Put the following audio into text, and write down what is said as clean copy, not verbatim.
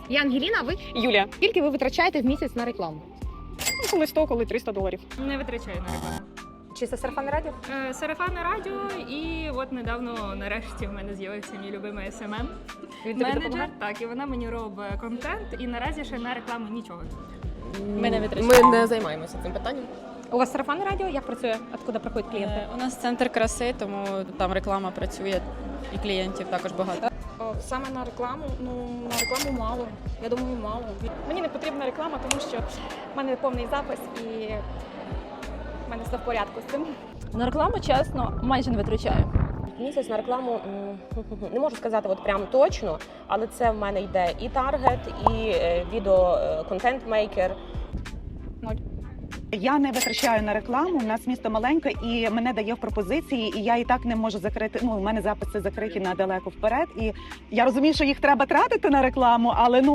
Я Ангеліна, а ви? Юлія. Скільки ви витрачаєте в місяць на рекламу? Коли 100, коли $300. Не витрачаю на рекламу. Чи це сарафанне радіо? Сарафанне радіо, і от недавно, нарешті, в мене з'явився мій любимий SMM. Він тобі Менеджер, допомагає? так, і вона мені робить контент, і наразі ще на рекламу нічого. Ми не витрачаємо. Ми не займаємося цим питанням. У вас сарафанне радіо? Як працює? Откуда приходять клієнти? У нас центр краси, тому там реклама працює і клієнтів також багато. Саме на рекламу, на рекламу мало. Я думаю, мало. Мені не потрібна реклама, тому що в мене повний запис і в мене все в порядку з цим. На рекламу, чесно, майже не витрачаю. Місяць на рекламу не можу сказати от прям точно, але це в мене йде і таргет, і відео контент-мейкер. Я не витрачаю на рекламу. У нас місто маленьке і мене дає в пропозиції, і я і так не можу закрити. У мене записи закриті на далеко вперед. І я розумію, що їх треба тратити на рекламу, але